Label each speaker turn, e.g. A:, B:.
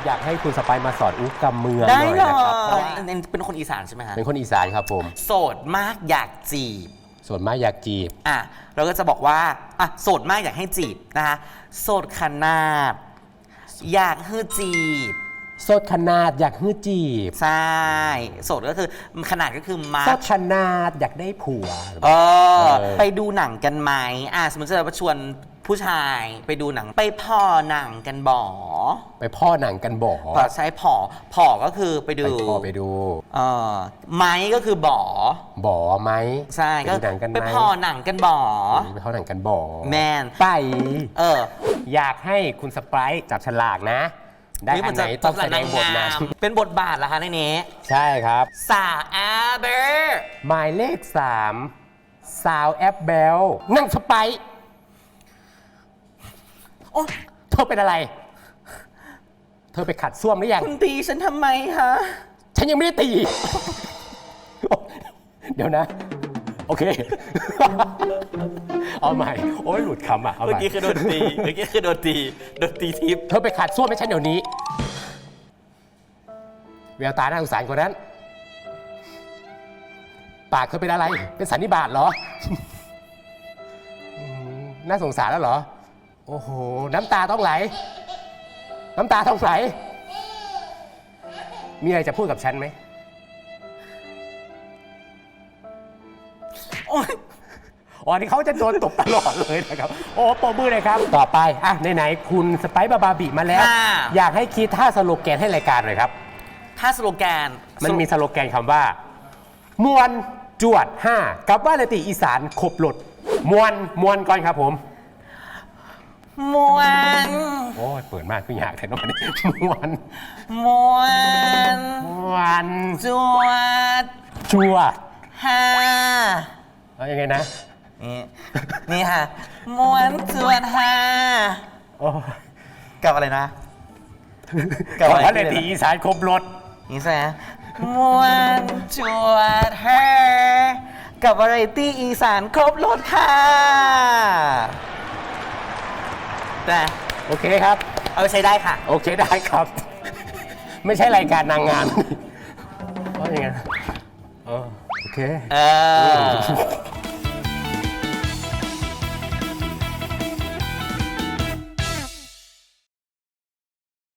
A: อยากให้คุณสไปมาสอนอุ๊กกำเมืองห
B: ได้
A: น่อย
B: เล
A: นะครับเพราะ
B: ยเป็นคนอีสานใช่ไหมฮะ
A: เป็นคนอีสานครับผม
B: โสดมากอยากจีบ
A: ส่วนมากอยากจีบ
B: อ่ะเราก็จะบอกว่าอ่ะโสดมากอยากให้จีบนะคะโสดขนาดอยากให้จีบ
A: โสดขนาดอยากฮื้อจีบ
B: ใช่โสดก็คือขนาดก็คือมา
A: โสดขนาดอยากได้ผัว
B: ไปดูหนังกันไหมสมมติจะชวนผู้ชายไปดูหนังไปพ่อหนังกันบ่อ
A: ไปพ่อหนังกันบ่อ
B: พอใช้ผอก็คือไปดู
A: ไปพ่อไปดู
B: ไม้ก็คือบ่อ
A: บ่อไหม
B: ใช่
A: ไปดูหนังกันไหม
B: ไปพ่อหนังกันบ่อ
A: ไปพ่อหนังกันบ่อ
B: แมน
A: ไป อยากให้คุณสไปร์จับฉลากนะ ได้อันไหนต้องแสดงบทนั้น
B: เป็นบทบาทเหรอคะในนี้
A: ใช่ครับ
B: สาวแอเบอร์
A: หมายเลข 3 สาวแอปเบลนั่งสไปร์
B: โอ้
A: เธอเป็นอะไร เธอไปขัดส้วมหรือยัง
B: คุณตีฉันทำไมคะ
A: ฉันยังไม่ได้ตี เดี๋ยวนะ โอเค เอาใหม่ โอ้ยหลุดคำอ่ะ เอาให
B: เมื่อ
A: ม่
B: กี้คือโดนตีเมื่อกี้คือโดนตีทิพย์
A: เธอไปขัดส้วมให้ฉันเดี๋ยวนี้แววตาน่าสงสารกว่านั้น ปากเธอเป็นอะไร เป็นสันนิบาตเหรอ น่าสงสารแล้วเหรอ โอ้โห น้ำตาต้องไหล น้ำตาต้องไหล มีอะไรจะพูดกับฉันไหม
B: โอ้ย
A: อ๋อนี่เขาจะโดนตบตลอดเลยนะครับ โอ้ปรบมือเลยครับ ต่อไป อ่ะไหนๆคุณสไปซ์บาบิมาแล้ว อยากให้คิดท่าสโลแกนให้รายการหน่อยครับ
B: ถ้าสโลแกน
A: มันมีสโลแกนคำว่า มวนจวด 5 กับว่าเลติอีสานขบหลด มวนก่อนครับผม
B: มวน
A: โอ้ยเปิดมากขึ้นอยากแต่นอนนี้มวน
B: มวน จวด
A: จวด
B: ห้า
A: เอายังไงนะ
B: นี่ค่ะมวนจวดห้า
A: โอ้ย
B: กับอะไรนะ
A: กับว่าเลติอีสานขบหลด
B: นี่ใช่ไหมมวนจวดห้ากับวาไรตี้อีสานครบรถค่ะแต่
A: โอเคครับ
B: เอาไปใช้ได้ค่ะ
A: โอเคได้ครับ ไม่ใช่รายการนางงามเพราะยังไงโอเค
B: เออ